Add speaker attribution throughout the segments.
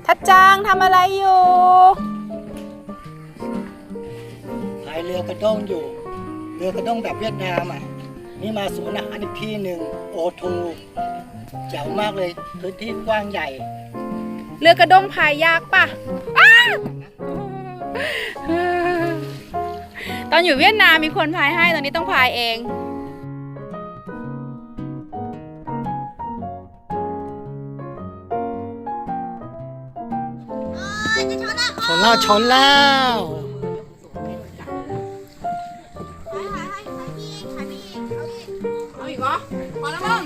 Speaker 1: ทัดจางทำอะไรอยู่
Speaker 2: พายเรือกระด้งอยู่เรือกระด้งแบบเวียดนามอ่ะนี่มาสวนอาหารอีกที่หนึ่งโอทูแจ๋วมากเลยพื้นที่กว้างใหญ่
Speaker 1: เรือกระด้งพายยากปะตอนอยู่เวียดนามมีคนพายให้ตอนนี้ต้องพายเอง
Speaker 2: ชนแล้ว
Speaker 1: เอาอีกเหรอพอแล้วมึง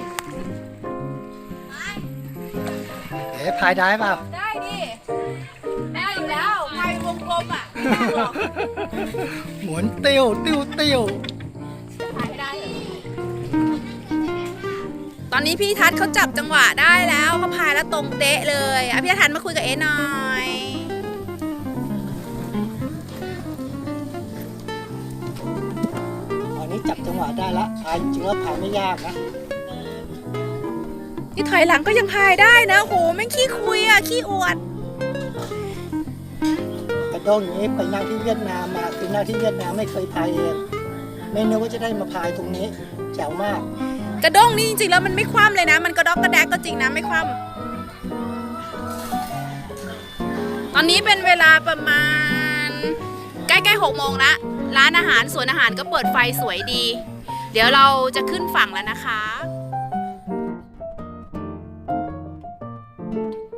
Speaker 2: พายได้เปล่า
Speaker 1: ได้ดิได้อยู่แล้วพายวงกลมอ่ะไม่ได้หรอก
Speaker 2: หมุนติ้ว
Speaker 1: พายให้ได้เหรอตอนนี้พี่ทัศน์เขาจับจังหวะได้แล้วเขาพายแล้วตรงเต๊ะเลยอ่ะพี่ทัศน์มาคุยกับเอ๋หน่อย
Speaker 2: ตอนนี้จับจังหวะได้ละพายจริงๆว่าพายไม่ยากนะ
Speaker 1: นี่ถอยหลังก็ยังพายได้นะโหแม่งขี้คุยอ่ะขี้อวด
Speaker 2: กระด้งอย่างนี้ไปนั่งที่เวียดนามมาคือนั่งที่เวียดนามไม่เคยพายเองไม่นึกว่าจะได้มาพายตรงนี้แจ๋วมาก
Speaker 1: กระด้งนี่จริงๆแล้วมันไม่คว่ำเลยนะมันกระดอกกระแดกก็จริงนะไม่คว่ำตอนนี้เป็นเวลาประมาณใกล้ๆ6 โมงละร้านอาหารสวนอาหารก็เปิดไฟสวยดีเดี๋ยวเราจะขึ้นฝั่งแล้วนะคะ